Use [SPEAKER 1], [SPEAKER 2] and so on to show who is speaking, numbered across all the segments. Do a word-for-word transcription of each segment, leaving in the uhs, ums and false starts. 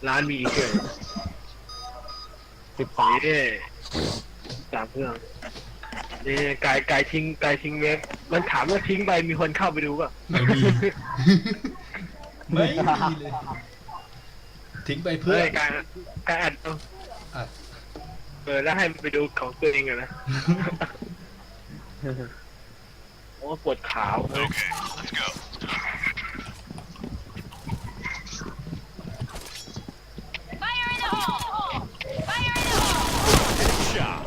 [SPEAKER 1] ร้านมีเครื่องสิบสามนี่สามเครื่องนี่กายกายทิ้งกายทิ้งเว็บมันถามว่าทิ้งไปมีคนเข้าไปดูป่ะ
[SPEAKER 2] ไม่มีไม่มีเลยทิ้งไปเพื่อ
[SPEAKER 1] การการอัด
[SPEAKER 2] อัด
[SPEAKER 1] เออแล้วให้มันไปดูของตัวเองอะนะโอ้ปวดขาวโอเค let's go fire in the hole fire in the hole shot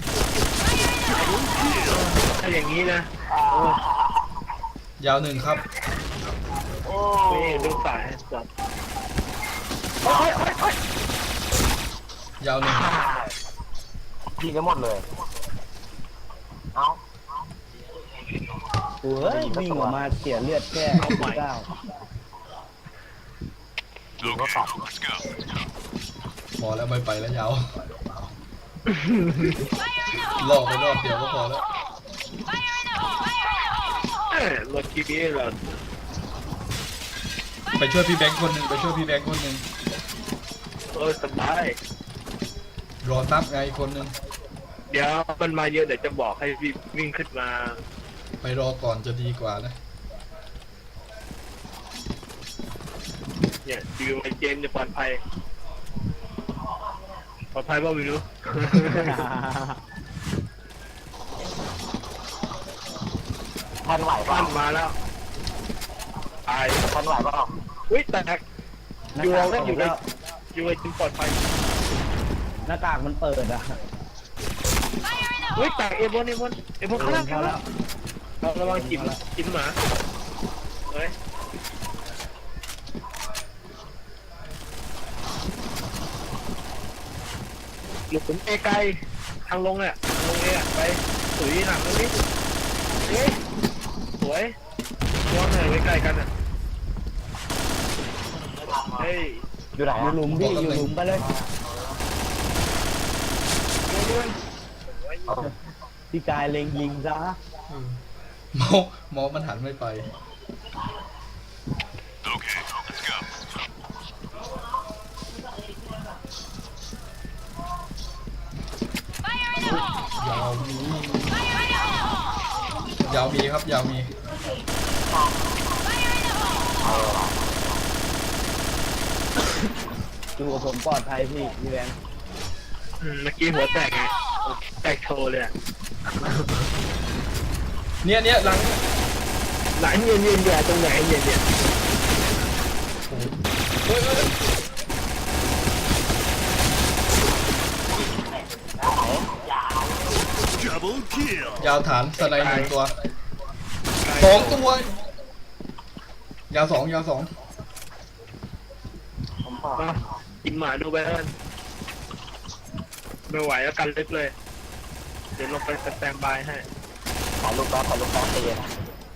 [SPEAKER 1] ถ้าอย่างนี้นะ
[SPEAKER 2] ยาวหนึ่งครับ
[SPEAKER 1] โอ้ยดูสายจับโอ้ยโอ้ยโอ้ย
[SPEAKER 2] ยาวหนึ่ง
[SPEAKER 3] ยิงกันหมดเลยเอา
[SPEAKER 4] เฮ้ยวิ่งออกมาเสียเลือดแค่เก้า
[SPEAKER 3] ยิงก็ตัด
[SPEAKER 2] พอแล้วไม่ไปแล้วยาวรอบไปรอบเดียวก็พอแล้ว
[SPEAKER 1] รถกีบีเหรอ
[SPEAKER 2] ไปช่วยพี่แบงค์คนหนึ่งไปช่วยพี่แบงค์คนหนึ่ง
[SPEAKER 1] เออสบาย
[SPEAKER 2] รอซับไงคนหนึ่ง
[SPEAKER 1] เดี๋ยวมันมาเยอะเดี๋ยวจะบอกให้วิ่งขึ้นมา
[SPEAKER 2] ไปรอก่อนจะดีกว่านะ
[SPEAKER 1] เนี่ยดิวไอเจมจะปลอดภัยปลอดภัยป่ะไม่รู้
[SPEAKER 3] ทันไหว
[SPEAKER 1] ปั้
[SPEAKER 3] ป่ะ
[SPEAKER 1] นมาแล้วตาย
[SPEAKER 3] ทันไหวป่ะ
[SPEAKER 1] อุ้ยแตกอยู่เราได้อยู่แล้วอยู่ไอเจมปลอดภัย
[SPEAKER 4] หน้ากากมันเปิดอ่ะ
[SPEAKER 1] เฮ้ยแตกเอโบนเอโบนเอโบนข้างล่างแล้วเราระวังกินกินหมาเฮ้ยหลุดผมเอไกลทางลงเนี่ยทางลงเอไปสวยหนักตรงนี้เฮ้ยสวยย้อนหน่อยไว้ใกล้กันอ่ะเฮ้ย
[SPEAKER 3] อยู่ไหน
[SPEAKER 4] อยู่หลุมพี่อยู่หลุมไปเลยพี่กายเล็งยิงซะ
[SPEAKER 2] มอมอมันหันไม่ไปโอเค let's go ยาวมียาวมีครับยาวมี
[SPEAKER 4] ดูผมปลอดภัยพี่พี่แบงค์
[SPEAKER 1] เมื่อกี้หัวแตกไงแตกโชว์เลย
[SPEAKER 2] เนี่ยเนี่ยหลัง
[SPEAKER 1] หลังเย็นเย็นอยู่ตรงไหนเย็นเย็น
[SPEAKER 2] ยาวฐานสไนด์หนึ่งตัวสองตัวยาวสองยาวสอง
[SPEAKER 1] กินหมาดูไปแล้วไม่ไหวแล้วกันเล็กเลยเดี๋ยวลงไปสแตนบายให้
[SPEAKER 3] ขอลูกแป๊บขอลูกแป๊บตีนะ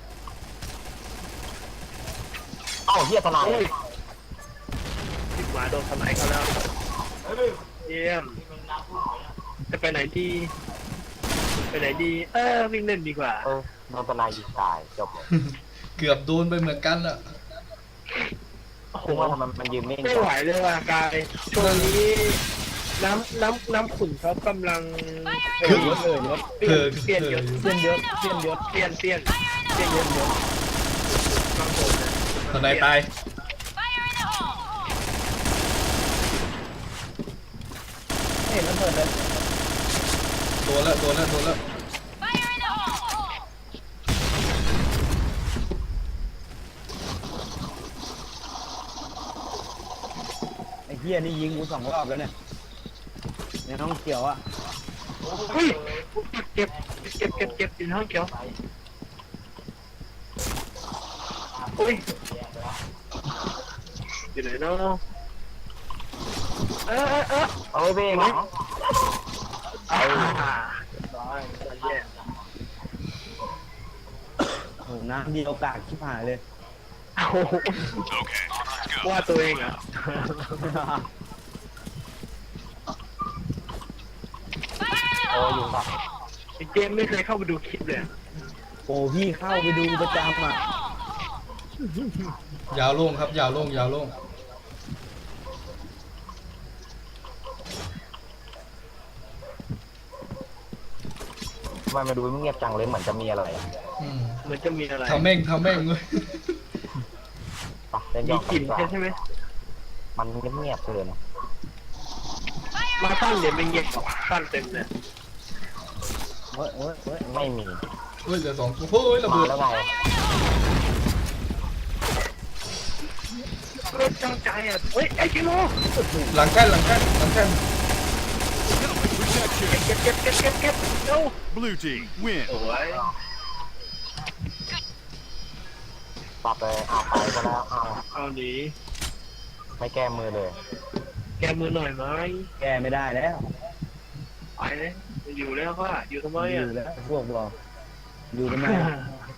[SPEAKER 3] เอ้าเฮียทนาย
[SPEAKER 1] กินหมาโดนทนายเขาแล้วเยี่ยมจะไปไหนดีไปไหนดีเออวิ่งเล่นดีกว่า
[SPEAKER 3] เออโดนทนายยิงตายจบเลย
[SPEAKER 2] เกือบโดนไปเหมือนกันอะ
[SPEAKER 3] คือว่าทำไมมันยืนนิ่ง
[SPEAKER 1] ไม่ไหวเลยว่ะกายช่วงนี้น้ำน้ำน้ำขุ่นเขากำลัง
[SPEAKER 4] เออยศเออยศ
[SPEAKER 1] เปลี่ยนเปลี่ยนยศ
[SPEAKER 4] เปลี่ยนยศเปลี่ยนยศ
[SPEAKER 1] เปลี่ยนเปลี่ยนเปลี่ยนยศยศ
[SPEAKER 2] ทนายตาย
[SPEAKER 4] เห็นแล้วเปิดเลย
[SPEAKER 2] โดนแล้วโดนแล้วโดนแล้ว
[SPEAKER 4] ไอ้เหี้ยนี่ยิงกูสองรอบแล้วเนี่ยในห้องเขียวอ่ะ
[SPEAKER 1] เฮ้ยเก็บเก็บเก็บเก็บอยู่ในห้องเขียวอุ้ยอยู่ไหนเนาะเออเออเออ
[SPEAKER 3] เอาไปไหม
[SPEAKER 1] เอา
[SPEAKER 4] โหน้ำดีโอกาสชิบหายเลย
[SPEAKER 1] ว่าตัวเองอ่ะ
[SPEAKER 3] โอ้อยู่ต่อ
[SPEAKER 1] เกมไม่เคยเข้าไปดูคลิปเลย
[SPEAKER 4] โอ้พี่เข้าไปดูประจำอ่ะ
[SPEAKER 2] ยาวโล่งครับยาวโล่งยาวโล่ง
[SPEAKER 3] ทำไมมาดูเงียบจังเลยเหมือนจะมีอะไร
[SPEAKER 2] อืม
[SPEAKER 1] มันจะมีอะไร
[SPEAKER 2] ทำแม่งทำแม่งเลย
[SPEAKER 3] ปะเล่น
[SPEAKER 1] มี
[SPEAKER 3] ย่อง
[SPEAKER 1] กลิ่น
[SPEAKER 3] ดีว่า
[SPEAKER 1] ใช่ไหม
[SPEAKER 3] มันเงียบๆเลยนะ
[SPEAKER 1] มาตั้งเดี๋ยวไม่เงียบตั้งเต็มเลย
[SPEAKER 4] เว้ยเว้ยเว้ย
[SPEAKER 3] ไม่มี
[SPEAKER 2] เฮ้ยเหลือสองตัวเฮ้ยระ
[SPEAKER 3] มา
[SPEAKER 2] เบิด
[SPEAKER 3] แล้วไง
[SPEAKER 1] รถจังใจอ่ะเฮ้ยไอ้กิโล
[SPEAKER 2] หลังแท่นหลังแท่นหลังแท่น
[SPEAKER 1] เก็บเก็บเก็บเก็บเก็บเร็ว
[SPEAKER 5] Blue team win.
[SPEAKER 1] โอ้ย
[SPEAKER 3] ปรับเลยเอาไปก็แล้วเอา
[SPEAKER 1] เอาหนี
[SPEAKER 3] ไม่แก้มือเลย
[SPEAKER 1] แกมือหน่อยไหม
[SPEAKER 4] แก้ไม่ได้แล้ว
[SPEAKER 1] ไปเลยอยู่แล้วว่าอยู่ทำไม
[SPEAKER 4] อ
[SPEAKER 1] อ่ะ
[SPEAKER 4] ยู่แล้วพวกบอกอยู่ทำไม